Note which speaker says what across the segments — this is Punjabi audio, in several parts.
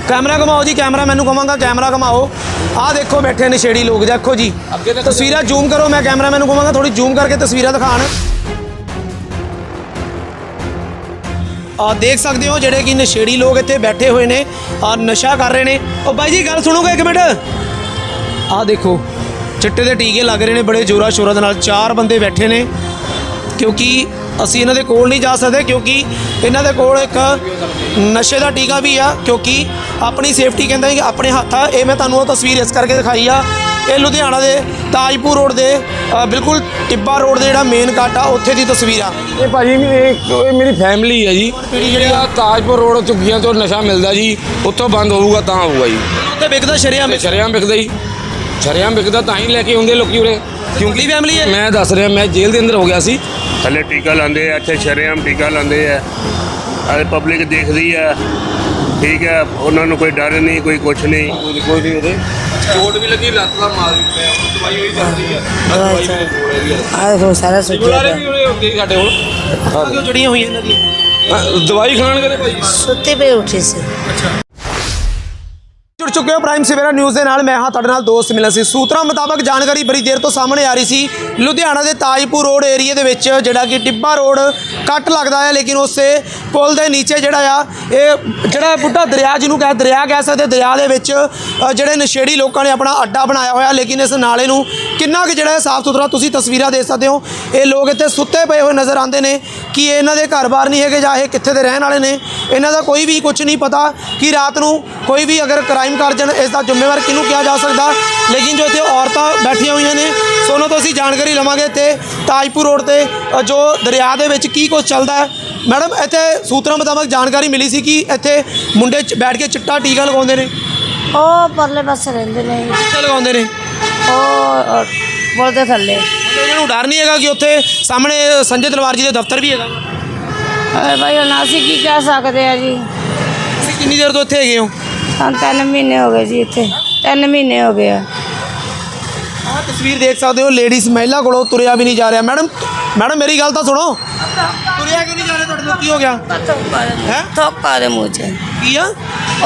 Speaker 1: कैमरा घुमाओ जी, कैमरा मैनू कहांगा कैमरा घुमाओ। आ देखो बैठे नशेड़ी लोग, देखो जी तस्वीर जूम करो, मैं कैमरा मैनू कहांगा थोड़ी जूम करके तस्वीर दिखाण। देख सकते हो जेडे कि नशेड़ी लोग इत्थे बैठे हुए ने और नशा कर रहे हैं। और बाई जी गल सुनोगे एक मिनट, आ देखो चिट्टे के टीके लग रहे हैं बड़े जोरा शोरा दे नाल। 4 बंदे बैठे ने क्योंकि असी इन्हां दे कोल नहीं जा सकते क्योंकि इन्हां दे कोल एक नशे का टीका भी आ, क्योंकि अपनी सेफ्टी कहते हैं कि अपने हत्थ आ। ये मैं तुहानूं तस्वीर इस करके दिखाई आ, ये लुधियाना के ताजपुर रोड के बिल्कुल टिब्बा रोड के जो मेन कट आ उत्थे दी तस्वीर आ।
Speaker 2: ये भाजी ये मेरी फैमिली है जी, ताजपुर रोड झुग्गियां तो नशा मिलता जी, उत्थों बंद होगा तो होगा जी।
Speaker 1: उत्थे विकदा शरेआम
Speaker 2: बिकदा जी, शरेआम बिकदा तां ही लैके आउंदे लोकी उरे।
Speaker 1: क्योंकि फैमिली है,
Speaker 2: मैं दस रहा, मैं जेल के अंदर हो गया सी।
Speaker 3: थले टीका लाते हैं, इतने शरेआम टीका लाते हैं, पब्लिक देखती है, ठीक है, उन्होंने कोई डर नहीं, कोई कुछ नहीं,
Speaker 2: कोई नहीं चोट भी लगी, लत्त का मार भी पिया, दवाई हुई चलती है।
Speaker 4: सारा
Speaker 1: जड़ियां हुई इन्हां दी
Speaker 2: दवाई खाण के भाई
Speaker 4: सुते पे उठे से।
Speaker 1: जुड़ चुके हो प्राइम सवेरा न्यूज़ के नाल, मैं हाँ तुहाडे नाल दोस्त मिला सी। सूत्रों मुताबक जानकारी बड़ी देर तो सामने आ रही सी, लुधियाना के ताजपुर रोड एरिए दे विच जिहड़ा कि टिब्बा रोड कट लगता है, लेकिन उस पुल के नीचे जिहड़ा आ जिहड़ा बुढ़ा दरिया जिन्हों दरिया कह सकते, दरिया के विच जिहड़े नशेड़ी लोगों ने अपना अड्डा बनाया होया, लेकिन इस नाले नूं किन्ना कि जिहड़ा साफ सुथरा तुसीं तस्वीरां देख सकते हो। ये लोग इत्थे सुत्ते पे हुए नज़र आते हैं कि इन्हां दे घर बार नहीं है जां ये कित्थे दे रहण वाले ने, इन्हां दा कोई भी कुछ नहीं पता कि रात नूं कोई भी अगर क्राइम कर जाए इसका जिम्मेवार किनू किया जा सकता। लेकिन जो इतने औरतें बैठिया हुई ने, सोनो तो असी जानकारी लवांगे इतने ताजपुर रोड से जो दरिया के विच की कुछ चलता है। मैडम इतने सूत्रों मुताबक जानकारी मिली सी कि इतने मुंडे बैठ के चिट्टा टीका लगाते हैं,
Speaker 4: परले पासे रहिंदे ने,
Speaker 1: कित्थे लगाते हैं,
Speaker 4: पुल दे थल्ले।
Speaker 1: इन्होंने डर नहीं है कि उत्थे सामने संजय तलवार जी के दफ्तर भी है?
Speaker 4: भाई हम असी की कह सकते हैं जी,
Speaker 1: कितनी देर तो इतने है हो?
Speaker 4: 3 महीने हो गए जी, इतने 3 महीने हो गए।
Speaker 1: तस्वीर देख सकते हो, लेडीज़ महिला को तुरया भी नहीं जा रहा। मैडम मेरी गल तो सुनो, तुरया क्यों नहीं जा रहे? तुहाडे की हो गया है?
Speaker 4: थोका दे मुँह च
Speaker 1: की आ?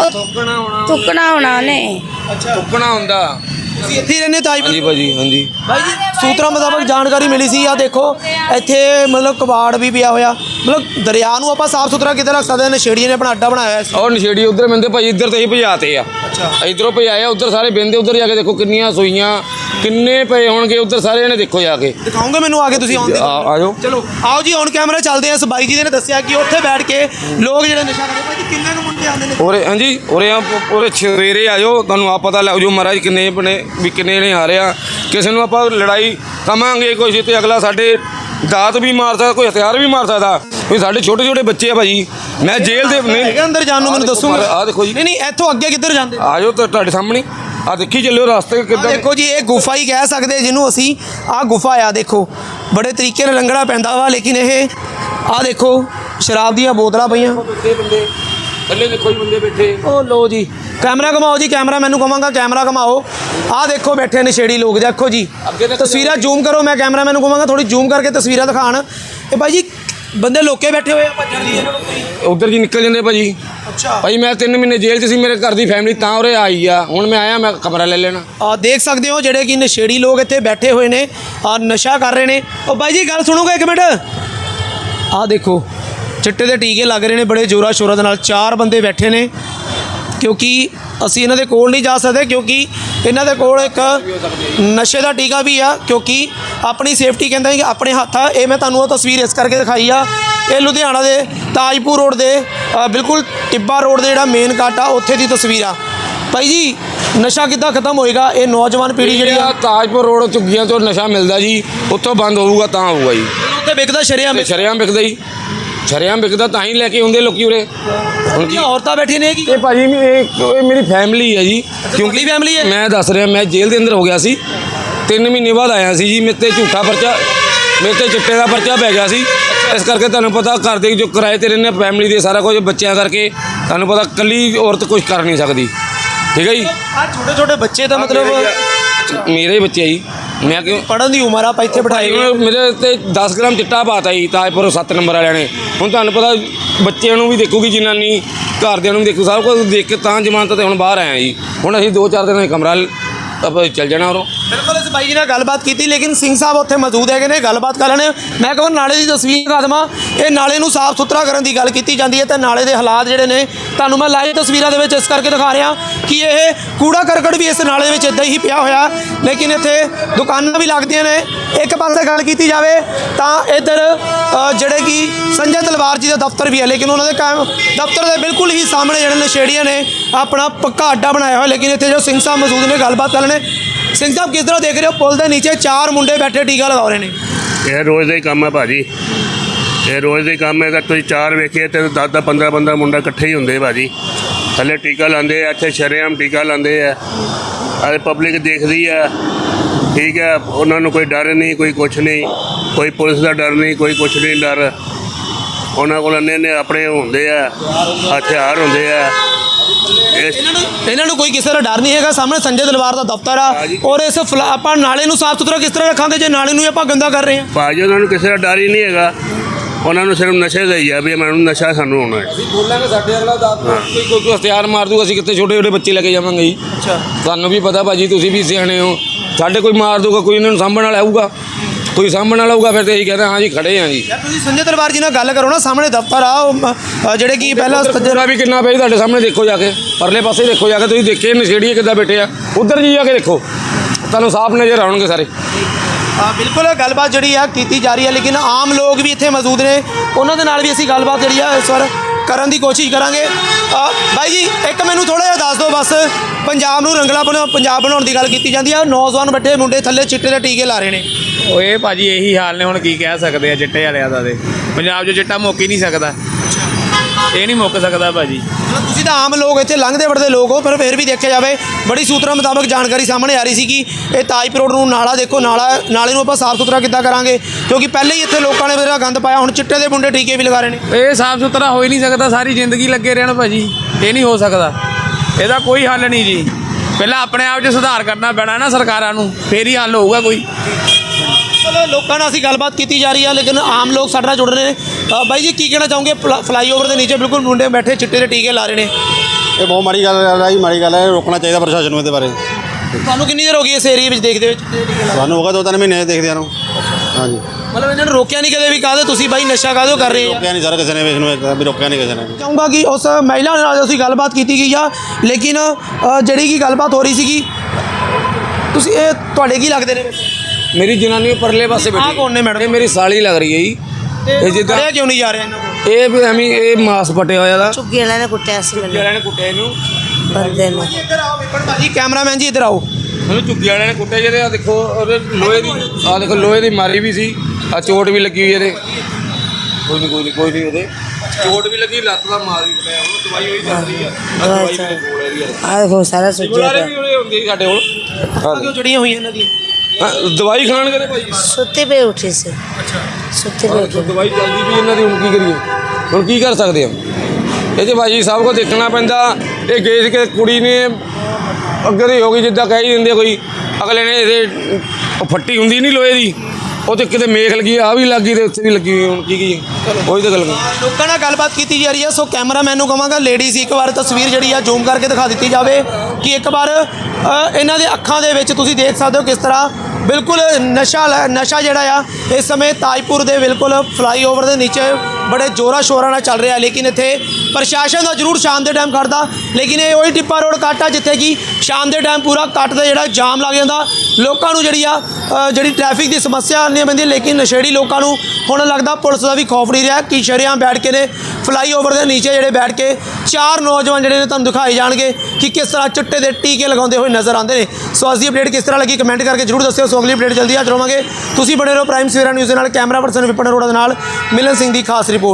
Speaker 4: थुकना होना ने।
Speaker 1: अच्छा
Speaker 2: टुकना हुंदा
Speaker 1: इत्थे ही रहने ताजपुर?
Speaker 2: हाँ जी भाजी, हाँ जी
Speaker 1: भाई जी सूत्रों मुताबक जानकारी मिली सी, आ देखो इत्थे मतलब कबाड़ भी पिया होया, मतलब दरिया नूं आपां साफ सुथरा किते रख सकते हैं? नशेड़ियों ने अपना अड्डा बनाया है।
Speaker 2: और नशेड़ी उधर बंदे भाई इधर तो ही भजाते आ, इधरों भजाए उधर सारे बंदे, उधर जाके देखो किन्नियां सूइयां किन्ने पे होणगे उधर सारे ने, देखो जाके
Speaker 1: दिखाओगे मैनू आगे तुसीं आउंदे?
Speaker 2: आ जाओ,
Speaker 1: चलो आओ जी ऑन कैमरा चलते हैं। इस बाई जी ने दस्सिया कि उत्थे बैठ के लोग जिहड़े नशा करदे, भाई जी किन्ने क मुंडे आंदे ने?
Speaker 2: और हाँ जी और सवेरे आ जाओ, तुहानूं आप पता लग जाओ महाराज किन्ने बने भी किन्ने ने आ रहे आ। किसी नूं आपां लड़ाई कवांगे कुछ तो अगला साडे दात भी मार सकदा, कोई हथियार भी मार सकदा। कोई साडे छोटे छोटे बच्चे आ भाई, मैं जेल दे नहीं
Speaker 1: अंदर जाण नूं मैनूं दस्सो।
Speaker 2: आ देखो जी,
Speaker 1: नहीं इत्थों अगे किधर जांदे?
Speaker 2: आ जाओ तो तुहाडे सामने आ देखी चलियो रास्ते किद्दां।
Speaker 1: देखो जी ये गुफा ही कह सकते जिन्हों असी, आ गुफा आ देखो बड़े तरीके नाल लंघना पैंदा वा, लेकिन ये आ देखो शराब दी बोतलां पईयां,
Speaker 2: थल्ले देखो जी बंदे बैठे।
Speaker 1: ओ लो जी कैमरा घुमाओ जी, कैमरा मैनू कहांगा कैमरा घुमाओ। आ देखो बैठे नशेड़ी लोग, देखो जी तस्वीर जूम करो, मैं कैमरा मैनू कहांगा थोड़ी जूम करके तस्वीर दिखाण। ये भाई जी बंदे लोके बैठे हुए
Speaker 2: उधर जी निकल जाते भाजी।
Speaker 1: अच्छा
Speaker 2: भाई मैं 3 महीने जेल च सी, मेरे घर की फैमिली तां उरे आई आ, हुण मैं आया, मैं कमरा ले लेना।
Speaker 1: देख सकते हो जेडे कि नशेड़ी लोग इत्थे बैठे हुए ने और नशा कर रहे हैं। और भाई जी गल सुनोगे एक मिनट, आ देखो चिट्टे के टीके लग रहे हैं बड़े जोरा शोरा दे नाल। 4 बंदे बैठे ने क्योंकि असी इन्हां दे कोल नहीं जा सकते क्योंकि इन्हां दे कोल एक नशे का टीका भी आ, क्योंकि अपनी सेफ्टी कहते हैं कि अपने हत्थ आ। ये मैं तुहानूं तस्वीर इस करके दिखाई आ, ये लुधियाना के ताजपुर रोड के बिल्कुल टिब्बा रोड के जो मेन कट आ उत्थे दी तस्वीर आ। भाई जी नशा किद्दां खत्म होएगा? ये नौजवान पीढ़ी जी
Speaker 2: ताजपुर रोड झुग्गियां तो नशा मिलता जी, उत्थों बंद होगा तो होगा जी।
Speaker 1: उत्थे विकदा शरेआम
Speaker 2: शरेआम बिकदा जी, शरेआम बिकदा तां ही लैके आउंदे लोकी उरे।
Speaker 1: उनकी औरतां बैठी ने कि
Speaker 2: ये भाजी ये मेरी फैमिली है जी,
Speaker 1: क्योंकि फैमिली है।
Speaker 2: मैं दस रहा, मैं जेल के अंदर हो गया सी, 3 महीने बाद आया सी जी। मेरे ते झूठा परचा, मेरे ते चिट्टे का परचा पै गया सी, इस करके तुहानूं पता घर दे जो किराए ते रहने फैमिली दे सारा कुछ बच्चों करके तुहानूं पता कल्ली औरत कुछ कर नहीं सकती, ठीक है जी।
Speaker 1: छोटे छोटे बच्चे तो मतलब
Speaker 2: मेरे ही बच्चे जी, मैं क्यों
Speaker 1: पढ़न की उम्र आप इत्थे बिठाए
Speaker 2: मेरे ते 10 ग्राम चिट्टा पाता जी ताजपुर 7 नंबर वाले ने। हुण तुहानूं पता बच्चों भी देखूगी जनानी ਘਰਦਿਆਂ ਨੂੰ ਵੀ ਦੇਖੋ, ਸਭ ਕੁਝ ਦੇਖ ਕੇ ਤਾਂ ਜ਼ਮਾਨਤ ਤੇ ਹੁਣ ਬਾਹਰ ਆਇਆ ਜੀ। ਹੁਣ ਅਸੀਂ 2-4 ਦਿਨ ਕਮਰਾ ਆਪਾਂ ਚੱਲ ਜਾਣਾ ਉਰੋਂ।
Speaker 1: ਬਿਲਕੁਲ ਇਸ ਬਾਈ ਜੀ ਨਾਲ ਗੱਲਬਾਤ ਕੀਤੀ, ਲੇਕਿਨ ਸਿੰਘ ਸਾਹਿਬ ਉੱਥੇ ਮੌਜੂਦ ਹੈਗੇ ਨੇ, ਗੱਲਬਾਤ ਕਰ ਲੈਣੇ। ਮੈਂ ਕਹਾਂ ਨਾਲੇ ਦੀ ਤਸਵੀਰ ਦਿਖਾ ਦੇਵਾਂ। ਇਹ ਨਾਲੇ ਨੂੰ ਸਾਫ਼ ਸੁਥਰਾ ਕਰਨ ਦੀ ਗੱਲ ਕੀਤੀ ਜਾਂਦੀ ਹੈ ਤੇ ਨਾਲੇ ਦੇ ਹਾਲਾਤ ਜਿਹੜੇ ਨੇ ਤੁਹਾਨੂੰ ਮੈਂ ਲਾਈਵ ਤਸਵੀਰਾਂ ਦੇ ਵਿੱਚ ਇਸ ਕਰਕੇ ਦਿਖਾ ਰਿਹਾ ਕਿ ਇਹ ਕੂੜਾ ਕਰਕਟ ਵੀ ਇਸ ਨਾਲੇ ਦੇ ਵਿੱਚ ਇੱਦਾਂ ਹੀ ਪਿਆ ਹੋਇਆ, ਲੇਕਿਨ ਇੱਥੇ ਦੁਕਾਨਾਂ ਵੀ ਲੱਗਦੀਆਂ ਨੇ। ਇੱਕ ਪਾਸੇ ਗੱਲ ਕੀਤੀ ਜਾਵੇ ਤਾਂ ਇੱਧਰ ਜਿਹੜੇ ਕਿ ਸੰਜੇ ਤਲਵਾਰ ਜੀ ਦਾ ਦਫ਼ਤਰ ਵੀ ਹੈ, ਲੇਕਿਨ ਉਹਨਾਂ ਦੇ ਦਫ਼ਤਰ ਦੇ ਬਿਲਕੁਲ ਹੀ ਸਾਹਮਣੇ ਜਿਹੜੇ ਨਸ਼ੇੜੀਆਂ ਨੇ ਆਪਣਾ ਪੱਕਾ ਅੱਡਾ ਬਣਾਇਆ ਹੋਇਆ। ਲੇਕਿਨ ਇੱਥੇ ਜੋ ਸਿੰਘ ਸਾਹਿਬ ਮੌਜੂਦ ਨੇ, ਗੱਲਬਾਤ ਕਰ ਲੈਣੇ। ਸਿੰਘ ਸਾਹਿਬ, ਕਿਸ ਤਰ੍ਹਾਂ ਦੇਖ ਰਹੇ ਹੋ ਪੁਲ ਦੇ ਨੀਚੇ 4 ਮੁੰਡੇ ਬੈਠੇ ਟੀਕਾ ਲਗਾ ਰਹੇ ਨੇ?
Speaker 3: ਇਹ ਰੋਜ਼ ਦਾ ਹੀ ਕੰਮ ਹੈ ਭਾਜੀ, ਇਹ ਰੋਜ਼ ਦਾ ਹੀ ਕੰਮ ਹੈ। ਤਾਂ ਤੁਸੀਂ 4 ਵੇਖੀਏ ਤੇ 10-10 15-15 ਮੁੰਡਾ ਇਕੱਠੇ ਹੀ ਹੁੰਦੇ ਭਾਜੀ, ਥੱਲੇ ਟੀਕਾ ਲਾਉਂਦੇ ਆ, ਇੱਥੇ ਸ਼ਰੇਆਮ ਟੀਕਾ ਲਾਉਂਦੇ ਆ, ਅਤੇ ਪਬਲਿਕ ਦੇਖਦੀ ਆ। ਠੀਕ ਹੈ, ਉਹਨਾਂ ਨੂੰ ਕੋਈ ਡਰ ਨਹੀਂ, ਕੋਈ ਕੁਛ ਨਹੀਂ, ਕੋਈ ਪੁਲਿਸ ਦਾ ਡਰ ਨਹੀਂ, ਕੋਈ ਕੁਛ ਨਹੀਂ ਡਰ। ਉਹਨਾਂ ਕੋਲ ਇੰਨੇ ਆਪਣੇ ਹੁੰਦੇ ਆ, ਹਥਿਆਰ ਹੁੰਦੇ ਆ।
Speaker 1: ਇਹਨਾਂ ਨੂੰ ਕੋਈ ਕਿਸੇ ਦਾ ਡਰ ਨਹੀਂ ਹੈਗਾ। ਸਾਹਮਣੇ ਸੰਜੇ ਤਲਵਾਰ ਦਾ ਦਫ਼ਤਰ ਆ, ਔਰ ਇਸ ਆਪਾਂ ਨਾਲੇ ਨੂੰ ਸਾਫ਼ ਸੁਥਰਾ ਕਿਸ ਤਰ੍ਹਾਂ ਰੱਖਾਂਗੇ ਜੇ ਨਾਲੇ ਨੂੰ ਹੀ ਆਪਾਂ ਗੰਦਾ ਕਰ ਰਹੇ ਹਾਂ?
Speaker 3: ਭਾਜੀ ਉਹਨਾਂ ਨੂੰ ਕਿਸੇ ਦਾ ਡਰ ਹੀ ਨਹੀਂ ਹੈਗਾ, ਉਹਨਾਂ ਨੂੰ ਸਿਰਫ ਨਸ਼ੇ ਦਾ ਹੀ ਆ ਵੀ ਮੈਨੂੰ ਨਸ਼ਾ ਸਾਨੂੰ ਹੋਣਾ ਹੈ।
Speaker 2: ਅਸੀਂ ਬੋਲਾਂਗੇ ਸਾਡੇ ਅਗਲਾ ਕੋਈ ਹਥਿਆਰ ਮਾਰ ਦੂਗਾ, ਅਸੀਂ ਕਿੱਥੇ ਛੋਟੇ ਛੋਟੇ ਬੱਚੇ ਲੈ ਕੇ ਜਾਵਾਂਗੇ ਜੀ।
Speaker 1: ਅੱਛਾ,
Speaker 2: ਤੁਹਾਨੂੰ ਵੀ ਪਤਾ ਭਾਜੀ, ਤੁਸੀਂ ਵੀ ਸਿਆਣੇ ਹੋ। ਸਾਡੇ ਕੋਈ ਮਾਰ ਦੂਗਾ, ਕੋਈ ਇਹਨਾਂ ਨੂੰ ਸਾਂਭਣ ਵਾਲਾ ਆਊਗਾ, ਕੋਈ ਸਾਂਭਣ ਵਾਲਾ ਆਊਗਾ, ਫਿਰ ਤੇ ਅਸੀਂ ਕਹਿੰਦੇ ਹਾਂ ਜੀ ਖੜੇ ਹਾਂ ਜੀ।
Speaker 1: ਯਾਰ ਤੁਸੀਂ ਸੰਜੇ ਤਲਵਾਰ ਜੀ ਨਾਲ ਗੱਲ ਕਰੋ ਨਾ, ਸਾਹਮਣੇ ਦਫ਼ਤਰ ਆ ਉਹ ਜਿਹੜੇ ਕਿ ਪਹਿਲਾਂ
Speaker 2: ਸੱਜਣਾ ਵੀ ਕਿੰਨਾ ਪਿਆ ਤੁਹਾਡੇ ਸਾਹਮਣੇ, ਦੇਖੋ ਜਾ ਕੇ ਪਰਲੇ ਪਾਸੇ ਦੇਖੋ ਜਾ ਕੇ, ਤੁਸੀਂ ਦੇਖੇ ਨਸ਼ੇੜੀਏ ਕਿੱਦਾਂ ਬੈਠੇ ਆ, ਉੱਧਰ ਜੀ ਜਾ ਕੇ ਦੇਖੋ, ਤੁਹਾਨੂੰ ਸਾਫ਼ ਨਜ਼ਰ ਆਉਣਗੇ ਸਾਰੇ।
Speaker 1: ਬਿਲਕੁਲ ਗੱਲਬਾਤ ਜਿਹੜੀ ਆ ਕੀਤੀ ਜਾ ਰਹੀ ਹੈ, ਲੇਕਿਨ ਆਮ ਲੋਕ ਵੀ ਇੱਥੇ ਮੌਜੂਦ ਨੇ, ਉਹਨਾਂ ਦੇ ਨਾਲ ਵੀ ਅਸੀਂ ਗੱਲਬਾਤ ਜਿਹੜੀ ਆ ਇਸ ਵਾਰ ਕਰਨ ਦੀ ਕੋਸ਼ਿਸ਼ ਕਰਾਂਗੇ। ਬਾਈ ਜੀ, ਇੱਕ ਮੈਨੂੰ ਥੋੜ੍ਹਾ ਜਿਹਾ ਦੱਸ ਦਿਓ ਬਸ, ਪੰਜਾਬ ਨੂੰ ਰੰਗਲਾ ਪੰਜਾਬ ਬਣਾਉਣ ਦੀ ਗੱਲ ਕੀਤੀ ਜਾਂਦੀ ਆ, ਨੌਜਵਾਨ ਵੱਡੇ ਮੁੰਡੇ ਥੱਲੇ ਚਿੱਟੇ ਦੇ ਟੀਕੇ ਲਾ ਰਹੇ ਨੇ।
Speaker 5: ਉਹ ਇਹ ਭਾਜੀ ਇਹੀ ਹਾਲ ਨੇ, ਹੁਣ ਕੀ ਕਹਿ ਸਕਦੇ ਆ ਚਿੱਟੇ ਵਾਲਿਆਂ ਦਾ। ਤੇ ਪੰਜਾਬ 'ਚ ਚਿੱਟਾ ਮੁੱਕ ਹੀ ਨਹੀਂ ਸਕਦਾ, ਇਹ ਨਹੀਂ ਮੁੱਕ ਸਕਦਾ ਭਾਜੀ।
Speaker 1: ਤੁਸੀਂ ਤਾਂ ਆਮ ਲੋਕ ਇੱਥੇ ਲੰਘਦੇ ਵੜਦੇ ਲੋਕ ਹੋ, ਪਰ ਫਿਰ ਵੀ ਦੇਖਿਆ ਜਾਵੇ ਬੜੀ ਸੂਤਰਾਂ ਮੁਤਾਬਕ ਜਾਣਕਾਰੀ ਸਾਹਮਣੇ ਆ ਰਹੀ ਸੀ ਕਿ ਇਹ ਤਾਜਪੁਰ ਰੋਡ ਨੂੰ ਨਾਲਾ ਦੇਖੋ, ਨਾਲੇ ਨੂੰ ਆਪਾਂ ਸਾਫ਼ ਸੁਥਰਾ ਕਿੱਦਾਂ ਕਰਾਂਗੇ, ਕਿਉਂਕਿ ਪਹਿਲੇ ਹੀ ਇੱਥੇ ਲੋਕਾਂ ਨੇ ਮੇਰਾ ਗੰਦ ਪਾਇਆ, ਹੁਣ ਚਿੱਟੇ ਦੇ ਮੁੰਡੇ ਟੀਕੇ ਵੀ ਲਗਾ ਰਹੇ ਨੇ।
Speaker 5: ਇਹ ਸਾਫ਼ ਸੁਥਰਾ ਹੋ ਹੀ ਨਹੀਂ ਸਕਦਾ, ਸਾਰੀ ਜ਼ਿੰਦਗੀ ਲੱਗੇ ਰਹਿਣ ਭਾਜੀ, ਇਹ ਨਹੀਂ ਹੋ ਸਕਦਾ, ਇਹਦਾ ਕੋਈ ਹੱਲ ਨਹੀਂ ਜੀ। ਪਹਿਲਾਂ ਆਪਣੇ ਆਪ 'ਚ ਸੁਧਾਰ ਕਰਨਾ ਪੈਣਾ ਨਾ ਸਰਕਾਰਾਂ ਨੂੰ, ਫੇਰ ਹੀ ਹੱਲ ਹੋਊਗਾ ਕੋਈ।
Speaker 1: ਚਲੋ ਲੋਕਾਂ ਨਾਲ ਅਸੀਂ ਗੱਲਬਾਤ ਕੀਤੀ ਜਾ ਰਹੀ ਹੈ, ਲੇਕਿਨ ਆਮ ਲੋਕ ਸਾਡੇ ਨਾਲ ਜੁੜ ਰਹੇ ਨੇ। ਬਾਈ ਜੀ, ਕੀ ਕਹਿਣਾ ਚਾਹੋਗੇ? ਫਲਾਈਓਵਰ ਦੇ ਨੀਚੇ ਬਿਲਕੁਲ ਮੁੰਡੇ ਬੈਠੇ ਚਿੱਟੇ ਦੇ ਟੀਕੇ ਲਾ ਰਹੇ ਨੇ।
Speaker 6: ਇਹ ਬਹੁਤ ਮਾੜੀ ਗੱਲ ਹੈ ਜੀ, ਮਾੜੀ ਗੱਲ ਹੈ, ਰੋਕਣਾ ਚਾਹੀਦਾ ਪ੍ਰਸ਼ਾਸਨ ਨੂੰ ਇਹਦੇ ਬਾਰੇ।
Speaker 1: ਤੁਹਾਨੂੰ ਕਿੰਨੀ ਦੇਰ ਹੋ ਗਈ ਇਸ ਏਰੀਏ ਵਿੱਚ ਦੇਖਦੇ ਵਿੱਚ?
Speaker 6: ਸਾਨੂੰ ਹੋਗਾ 2-3 ਮਹੀਨੇ ਦੇਖਦਿਆਂ ਨੂੰ। ਹਾਂਜੀ,
Speaker 1: ਮਤਲਬ ਇਹਨਾਂ ਨੂੰ ਰੋਕਿਆ ਨਹੀਂ ਕਦੇ ਵੀ? ਕਾਹਦੇ ਤੁਸੀਂ ਬਾਈ ਨਸ਼ਾ ਕਾਹਦੇ ਕਰ ਰਹੇ ਆ?
Speaker 6: ਰੋਕਿਆ ਨਹੀਂ ਸਰ ਕਿਸੇ ਨੇ, ਇਸ ਨੂੰ ਵੀ ਰੋਕਿਆ ਨਹੀਂ ਕਿਸੇ ਨੇ।
Speaker 1: ਚਾਹੂੰਗਾ ਕਿ ਉਸ ਮਹਿਲਾ ਨਾਲ ਅਸੀਂ ਗੱਲਬਾਤ ਕੀਤੀ ਗਈ ਆ, ਲੇਕਿਨ ਜਿਹੜੀ ਕਿ ਗੱਲਬਾਤ ਹੋ ਰਹੀ ਸੀਗੀ, ਤੁਸੀਂ ਇਹ ਤੁਹਾਡੇ ਕੀ ਲੱਗਦੇ ਨੇ?
Speaker 2: ਮੇਰੀ ਜਨਾਨੀ ਪਰਲੇ ਪਾਸੇ
Speaker 1: ਆਹ ਕੌਣ ਨੇ ਮੈਡਮ?
Speaker 2: ਇਹ ਮੇਰੀ ਸਾਲੀ ਲੱਗ ਰਹੀ ਹੈ ਜੀ। ਇਹ ਜਿੱਦਾਂ
Speaker 1: ਖੜਿਆ ਕਿਉਂ ਨਹੀਂ ਜਾ ਰਿਹਾ ਇਹਨਾਂ ਕੋਲ?
Speaker 2: ਇਹ ਵੀ ਐਵੇਂ ਇਹ ਮਾਸ ਪਟਿਆ ਹੋਇਆ ਦਾ,
Speaker 4: ਝੁੱਗੀ ਵਾਲਿਆਂ ਨੇ ਕੁੱਟਿਆ ਸੀ ਮੈਨੂੰ,
Speaker 2: ਵਾਲਿਆਂ ਨੇ ਕੁੱਟਿਆ ਇਹਨੂੰ,
Speaker 4: ਬੰਦੇ ਨੂੰ।
Speaker 1: ਇੱਧਰ ਆਓ ਵਿਪਨ ਭਾਜੀ, ਕੈਮਰਾਮੈਨ ਜੀ ਇੱਧਰ ਆਓ।
Speaker 2: ਉਹਨੂੰ ਝੁੱਗੀ ਵਾਲਿਆਂ ਨੇ ਕੁੱਟਿਆ ਜਿਹਦੇ ਆ ਦੇਖੋ, ਉਹਦੇ ਲੋਹੇ ਦੀ, ਆ ਦੇਖੋ ਲੋਹੇ ਦੀ ਮਾਰੀ ਵੀ ਸੀ, ਆ ਚੋਟ ਵੀ ਲੱਗੀ ਹੋਈ ਇਹਦੇ। ਕੋਈ ਨਹੀਂ ਉਹਦੇ ਚੋਟ ਵੀ ਲੱਗੀ, ਲੱਤ ਦਾ ਮਾਰ ਵੀ ਪਿਆ, ਉਹਨੂੰ ਦਵਾਈ ਹੋਈ ਚੱਲ ਰਹੀ ਆ। ਦਵਾਈ ਵੀ ਕੋਲ ਇਹਦੀ
Speaker 4: ਆਹ ਦੇਖੋ ਸਾਰਾ ਸੁੱਜਿਆ
Speaker 2: ਗੁਲਾਰੇ
Speaker 4: ਪਿਆ,
Speaker 2: ਵੀ ਉਹਦੇ ਹੁੰਦੀ ਸਾਡੇ ਕੋਲ।
Speaker 1: ਕਿਉਂ ਜੜੀਆਂ ਹੋਈਆਂ ਇਹਨਾਂ ਦੀਆਂ?
Speaker 2: ਦਵਾਈ ਖਾਣ ਕਦੇ ਭਾਈ,
Speaker 4: ਸੁੱਤੇ ਪਏ ਉੱਠੇ ਸੀ। ਸੁੱਤੇ ਪਏ ਉੱਠੇ।
Speaker 2: ਦਵਾਈ ਚੱਲਦੀ ਵੀ ਇਹਨਾਂ ਦੀ, ਹੁਣ ਕੀ ਕਰੀਏ, ਹੁਣ ਕੀ ਕਰ ਸਕਦੇ ਆ ਇਹ 'ਚ ਭਾਜੀ? ਸਭ ਕੁਝ ਦੇਖਣਾ ਪੈਂਦਾ। ਇਹ ਗਏ ਸੀ ਕਿ ਕੁੜੀ ਨੇ ਅੱਗੇ ਦੀ ਹੋ ਗਈ, ਜਿੱਦਾਂ ਕਹਿ ਹੀ ਦਿੰਦੇ ਕੋਈ, ਅਗਲੇ ਨੇ ਇਹਦੇ ਉਹ ਫੱਟੀ ਹੁੰਦੀ ਨਹੀਂ ਲੋਹੇ ਦੀ, ਉਹ ਤੇ ਕਿਤੇ ਮੇਖ ਲੱਗੀ, ਆ ਵੀ ਲੱਗੀ ਤੇ ਉੱਥੇ ਵੀ ਲੱਗੀ ਹੋਈ, ਹੁਣ ਕੀ ਕਰੀਏ? ਉਹੀ ਤਾਂ ਗੱਲ
Speaker 1: ਲੋਕਾਂ ਨਾਲ ਗੱਲਬਾਤ ਕੀਤੀ ਜਾ ਰਹੀ ਹੈ। ਸੋ ਕੈਮਰਾਮੈਨ ਨੂੰ ਕਹਾਂਗਾ ਲੇਡੀਜ਼ ਇੱਕ ਵਾਰ ਤਸਵੀਰ ਜਿਹੜੀ ਆ ਜ਼ੂਮ ਕਰਕੇ ਦਿਖਾ ਦਿੱਤੀ ਜਾਵੇ ਕਿ ਇੱਕ ਵਾਰ ਇਹਨਾਂ ਦੇ ਅੱਖਾਂ ਦੇ ਵਿੱਚ ਤੁਸੀਂ ਦੇਖ ਸਕਦੇ ਹੋ ਕਿਸ ਤਰ੍ਹਾਂ ਬਿਲਕੁਲ ਨਸ਼ਾ ਜਿਹੜਾ ਆ ਇਸ ਸਮੇਂ ਤਾਜਪੁਰ ਦੇ ਬਿਲਕੁਲ ਫਲਾਈਓਵਰ ਦੇ ਨੀਚੇ ਬੜੇ ਜ਼ੋਰਾਂ ਸ਼ੋਰਾਂ ਨਾਲ ਚੱਲ ਰਿਹਾ। ਲੇਕਿਨ ਇੱਥੇ ਪ੍ਰਸ਼ਾਸਨ ਦਾ ਜ਼ਰੂਰ ਸ਼ਾਮ ਦੇ ਟਾਈਮ ਖੜਦਾ, ਲੇਕਿਨ ਇਹ ਉਹੀ ਟਿੱਪਾ ਰੋਡ ਕੱਟ ਆ ਜਿੱਥੇ ਕਿ ਸ਼ਾਮ ਦੇ ਟਾਈਮ ਪੂਰਾ ਕੱਟ ਦਾ ਜਿਹੜਾ ਜਾਮ ਲੱਗ ਜਾਂਦਾ, ਲੋਕਾਂ ਨੂੰ ਜਿਹੜੀ ਟ੍ਰੈਫਿਕ ਦੀ ਸਮੱਸਿਆ ਆਉਣੀ ਪੈਂਦੀ। ਲੇਕਿਨ ਨਸ਼ੇੜੀ ਲੋਕਾਂ ਨੂੰ ਹੁਣ ਲੱਗਦਾ ਪੁਲਿਸ ਦਾ ਵੀ ਖੌਫ ਨਹੀਂ ਰਿਹਾ ਕਿ ਸ਼ਰੇਆਮ ਬੈਠ ਕੇ ਨੇ ਫਲਾਈਓਵਰ ਦੇ ਨੀਚੇ ਜਿਹੜੇ ਬੈਠ ਕੇ 4 ਨੌਜਵਾਨ ਜਿਹੜੇ ਨੇ ਤੁਹਾਨੂੰ ਦਿਖਾਏ ਜਾਣਗੇ ਕਿ ਕਿਸ ਤਰ੍ਹਾਂ ਚਿੱਟੇ ਦੇ ਟੀਕੇ ਲਗਾਉਂਦੇ ਹੋਏ ਨਜ਼ਰ ਆਉਂਦੇ ਨੇ। ਸੋ ਅੱਜ ਦੀ ਅਪਡੇਟ ਕਿਸ ਤਰ੍ਹਾਂ ਲੱਗੀ ਕਮੈਂਟ ਕਰਕੇ ਜ਼ਰੂਰ ਦੱਸਿਓ। ਸੋ ਅਗਲੀ ਅਪਡੇਟ ਜਲਦੀ ਹਾਜ਼ਰ ਹੋਵਾਂਗੇ। ਤੁਸੀਂ ਬਣੇ ਰਹੋ ਪ੍ਰਾਈਮ ਸਵੇਰਾ ਨਿਊਜ਼ ਦੇ ਨਾਲ। ਕੈਮਰਾ ਪਰਸਨ ਵਿਪਨ ਅਰੋੜਾ ਦੇ ਨਾਲ ਮਿਲਨ ਸਿੰਘ ਦੀ ਖਾਸ ਰਿਪੋਰਟ।